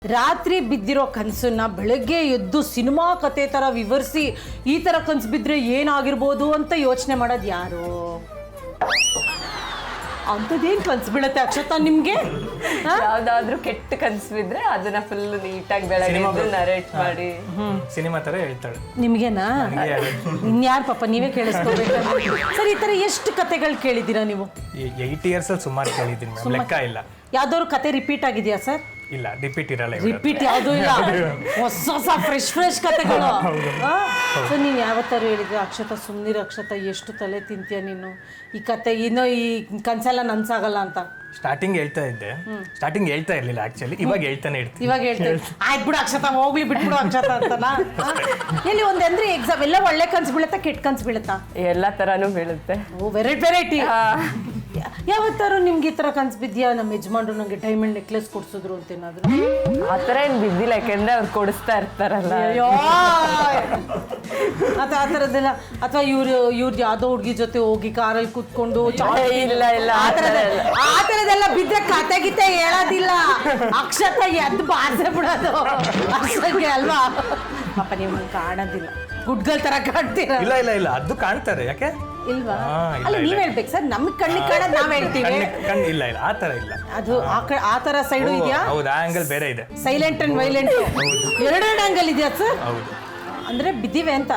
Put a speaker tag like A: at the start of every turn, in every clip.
A: ರಾತ್ರಿ ಬಿದ್ದಿರೋ ಕನಸನ್ನ ಬೆಳಗ್ಗೆ ಎದ್ದು ಸಿನಿಮಾ ಕತೆ ತರ ವಿವರಿಸಿ ಈ ತರ ಕನಸು ಬಿದ್ದರೆ ಏನಾಗಿರ್ಬೋದು ಅಂತ ಯೋಚನೆ ಮಾಡೋದು ಯಾರು? ಅಂಥದ್ದೇನು ಕನಸು ಬೀಳುತ್ತೆ ಅಕ್ಷತಾ ನಿಮಗೆ?
B: ಯಾವ್ದಾದ್ರು ಕೆಟ್ಟ ಕನಸು ಬಿದ್ರೆ ಅದನ್ನ ಫುಲ್ ನೀಟಾಗಿ ಬೆಳಗ್ಗೆ ನರೇಟ್ ಮಾಡಿ
C: ಸಿನಿಮಾ ತರ ಹೇಳ್ತಾಳೆ.
A: ನಿಮ್ಗೆನಾ? ಇನ್ಯಾರು ಪಾಪ ನೀವೇ ಕೇಳಿಸ್ಕೋಬೇಕು. ಸರ್, ಈ ತರ ಎಷ್ಟು ಕತೆಗಳು ಕೇಳಿದ್ದೀರಾ ನೀವು?
C: 8 years ಅಲ್ಲಿ ಸುಮಾರು ಕೇಳಿದ್ದೀನಿ ಮೇಡಮ್, ಲೆಕ್ಕ ಇಲ್ಲ.
A: ಯಾವ್ದಾದ್ರು ಕತೆ ರಿಪೀಟ್ ಆಗಿದೆಯಾ ಸರ್?
C: ಇಲ್ಲ, ರಿಪೀಟ್ ಇರಲ್ಲ.
A: ರಿಪೀಟ್ ಯಾವುದೂ ಇಲ್ಲ, ಹೊಸ ಫ್ರೆಶ್ ಕತೆಗಳು. ಸೊ ನೀನು ಯಾವತ್ತಾರು ಹೇಳಿದ್ರೆ ಅಕ್ಷತಾ ಸುಮ್ಮನಿರು ಅಕ್ಷತಾ, ಎಷ್ಟು ತಲೆ ತಿಂತೀಯ ನೀನು, ಈ ಕತೆ ಇನ್ನೂ ಈ ಕನ್ಸೆಲ್ಲ ನನ್ಸಾಗಲ್ಲ ಅಂತ?
C: ಸ್ಟಾರ್ಟಿಂಗ್ ಹೇಳ್ತಾ ಇದ್ದೆ, ಸ್ಟಾರ್ಟಿಂಗ್ ಹೇಳ್ತಾ ಇರ್ಲಿಲ್ಲ ಆಕ್ಚುಲಿ, ಇವಾಗ ಹೇಳ್ತಾನೆ ಇರ್ತೀನಿ.
A: ಇವಾಗ ಹೇಳ್ತೇನೆ, ಆಯ್ತು ಬಿಡು ಅಕ್ಷತಾ, ಹೋಗ್ಲಿ ಬಿಟ್ಬಿಡು ಅಕ್ಷತಾ ಅಂತನಾ? ಎಲ್ಲಿ ಒಂದಂದ್ರೆ ಎಕ್ಸಾಮ್ ಎಲ್ಲ ಒಳ್ಳೆ ಕನ್ಸು ಬೀಳುತ್ತಾ ಕೆಟ್ಟ ಕನ್ಸು ಬೀಳುತ್ತಾ?
B: ಎಲ್ಲ ತರಾನು ಬೀಳುತ್ತೆ.
A: ಓ, ವೆರೈಟಿ. ಯಾವತ್ತಾರು ನಿಮ್ಗೆ ಈ ತರ ಕನ್ಸು ಬಿದ್ಯಾ, ನಮ್ಮ ಯಜಮಾನ್ರು ನಂಗೆ ಡೈಮಂಡ್ ನೆಕ್ಲೆಸ್ ಕೊಡ್ಸಿದ್ರು ಅಂತ ಏನಾದ್ರು?
B: ಆ ಥರ ಏನು ಬಿದ್ದಿಲ್ಲ, ಯಾಕೆಂದ್ರೆ ಅವ್ರು ಕೊಡಿಸ್ತಾ ಇರ್ತಾರಲ್ಲ.
A: ಅಯ್ಯೋ, ಅಥವಾ ಆ ಥರದ್ದೆಲ್ಲ, ಅಥವಾ ಇವ್ರು ಯಾವುದೋ ಹುಡುಗಿ ಜೊತೆ ಹೋಗಿ ಕಾರಲ್ಲಿ ಕೂತ್ಕೊಂಡು
B: ಇಲ್ಲ ಇಲ್ಲ
A: ಆ ಥರದ್ದೆಲ್ಲ ಬಿದ್ದರೆ ಕತೆ ಗೀತೆ ಹೇಳೋದಿಲ್ಲ ಅಕ್ಷತಾ, ಎದ್ದು ಬಾರ್ಸೆ ಬಿಡೋದು ಅಷ್ಟಕ್ಕೆ ಅಲ್ವಾ? ಪಾಪ ನೀವು ನಂಗೆ ಕಾಣೋದಿಲ್ಲ, ಗುಡ್ಗಲ್ ತರ ಕಾಣ್ತೀರ.
C: ಇಲ್ಲ ಇಲ್ಲ ಇಲ್ಲ, ಅದು ಕಾಣ್ತಾರೆ. ಯಾಕೆ
A: ಇಲ್ವಾ? ಅಲ್ಲ, ನೀವ್ ಹೇಳ್ಬೇಕು ಸರ್, ನಮ್ಗೆ ಕಣ್ಣಿಗೆ ಕಾಣೋದು ನಾವ್ ಹೇಳ್ತೀವಿ.
C: ಇಲ್ಲ ಇಲ್ಲ, ಆ ತರ ಇಲ್ಲ.
A: ಅದು ಆ ತರ ಸೈಡು ಇದೆಯಾ?
C: ಹೌದು, ಆ ಆಂಗಲ್ ಬೇರೆ ಇದೆ.
A: ಸೈಲೆಂಟ್ ಅಂಡ್ ವೈಲೆಂಟ್ ಎರಡೆರಡು ಆಂಗಲ್ ಇದೆಯಾ ಸರ್?
C: ಹೌದು.
A: ಅಂದ್ರೆ ಬಿದ್ದಿವೆ ಅಂತ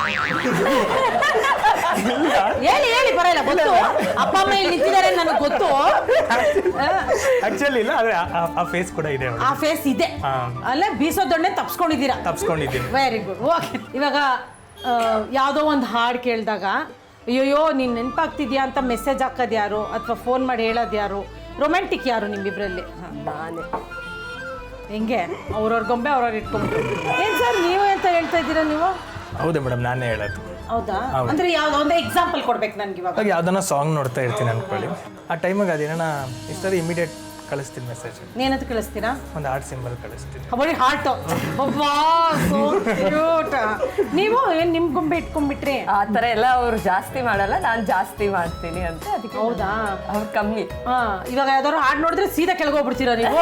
A: ಹೇಳಿ ಬರಲ್ಲ, ಗೊತ್ತು. ಅಪ್ಪ ಅಮ್ಮ ಇಲ್ಲಿ ನಿಂತಿದ್ದಾರೆ ನನಗೆ ಗೊತ್ತು.
C: ಆಕ್ಚುಲಿ ಇಲ್ಲ, ಆದ್ರೆ ಆ ಫೇಸ್ ಕೂಡ ಇದೆ.
A: ಆ ಫೇಸ್ ಇದೆ ಅಲ್ಲ, ಬೀಸೋದೊಣ್ಣೆ ತಪ್ಸ್ಕೊಂಡಿದ್ದೀನಿ. Very good. ಓಕೆ, ಇವಾಗ ಯಾವುದೋ ಒಂದು ಹಾಡು ಕೇಳಿದಾಗ ಅಯ್ಯೋಯ್ಯೋ ನೀನು ನೆನಪಾಗ್ತಿದ್ಯಾ ಅಂತ ಮೆಸೇಜ್ ಹಾಕೋದು ಯಾರು, ಅಥವಾ ಫೋನ್ ಮಾಡಿ ಹೇಳೋದು ಯಾರು? ರೊಮ್ಯಾಂಟಿಕ್ ಯಾರು ನಿಮ್ಮಿಬ್ಬರಲ್ಲಿ?
B: ನಾನೇ.
A: ಹೆಂಗೆ ಅವ್ರವ್ರ ಗೊಂಬೆ ಅವ್ರವ್ರು ಇಟ್ಕೊಂಡ್ರು? ಏನು ಸರ್ ನೀವು ಅಂತ ಹೇಳ್ತಾ ಇದ್ದೀರಾ ನೀವು?
C: ಹೌದು ಮೇಡಮ್, ನಾನೇ ಹೇಳೋದು.
A: ಹೌದಾ? ಅಂದ್ರೆ ಯಾವ್ದೋ ಒಂದು ಎಕ್ಸಾಂಪಲ್ ಕೊಡ್ಬೇಕು ನನ್ಗೆ. ಇವಾಗ
C: ಯಾವ್ದನ್ನ ಸಾಂಗ್ ನೋಡ್ತಾ ಇರ್ತೀನಿ ಅನ್ಕೊಳ್ಳಿ, ಆ ಟೈಮಿಗೆ ಅದೇನ ಇಷ್ಟ ಇಮಿಡಿಯೇಟ್ ಕಳಿಸ್ತೀನಿ ಮೆಸೇಜ್.
A: ಏನಂತ ಕಳಿಸ್ತೀರಾ?
C: ಒಂದು ಹಾರ್ಟ್ ಸಿಂಬಲ್ ಕಳಿಸ್ತೀನಿ.
A: ಬರೀ ಹಾರ್ಟ್. So cute. ನೀವು ಏನು ನಿಮ್ಮ ಗೊಂಬೆ ಇಟ್ಕೊಂಡ್ಬಿಟ್ರಿ?
B: ಆ ಥರ ಎಲ್ಲ ಅವ್ರು ಜಾಸ್ತಿ ಮಾಡಲ್ಲ, ನಾನು ಜಾಸ್ತಿ ಮಾಡ್ತೀನಿ ಅಂತ. ಅದಕ್ಕೆ
A: ಹೌದಾ?
B: ಅವ್ರು ಕಮ್ಮಿ.
A: ಇವಾಗ ಯಾವ್ದಾದ್ರು ಹಾಡು ನೋಡಿದ್ರೆ ಸೀದಾ ಕೆಳಗೋಗ್ಬಿಡ್ತೀರಾ ನೀವು?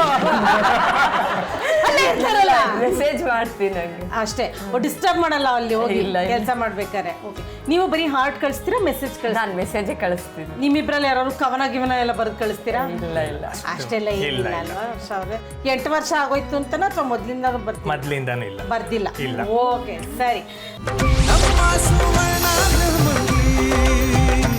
B: ಮೆಸೇಜ್ ಮಾಡ್ತೀನಿ ನಂಗೆ
A: ಅಷ್ಟೇ, ಡಿಸ್ಟರ್ಬ್ ಮಾಡಲ್ಲ ಅಲ್ಲಿ ಹೋಗಿ ಕೆಲಸ ಮಾಡ್ಬೇಕಾರೆ. ಓಕೆ, ನೀವು ಬರೀ ಹಾರ್ಟ್ ಕಳಿಸ್ತೀರಾ, ಮೆಸೇಜ್ ಕಳಿಸ್ತೀರಾ?
B: ನಾನು ಮೆಸೇಜೇ ಕಳಿಸ್ತೀನಿ.
A: ನಿಮ್ಮಿಬ್ರಲ್ಲಿ ಯಾರು ಗಿವನ ಎಲ್ಲ ಬರೆದು ಕಳಿಸ್ತೀರಾ?
B: ಇಲ್ಲ ಇಲ್ಲ,
A: ಅಷ್ಟೆಲ್ಲ ಏನಿಲ್ಲ ಅಲ್ವಾ? 8 ವರ್ಷ ಆಗೋಯ್ತು ಅಂತನಾ, ಅಥವಾ ಮೊದಲಿಂದ
C: ಮೊದಲಿಂದಾನು ಇಲ್ಲ?
A: ಬರ್ದಿಲ್ಲ. ಓಕೆ, ಸರಿ.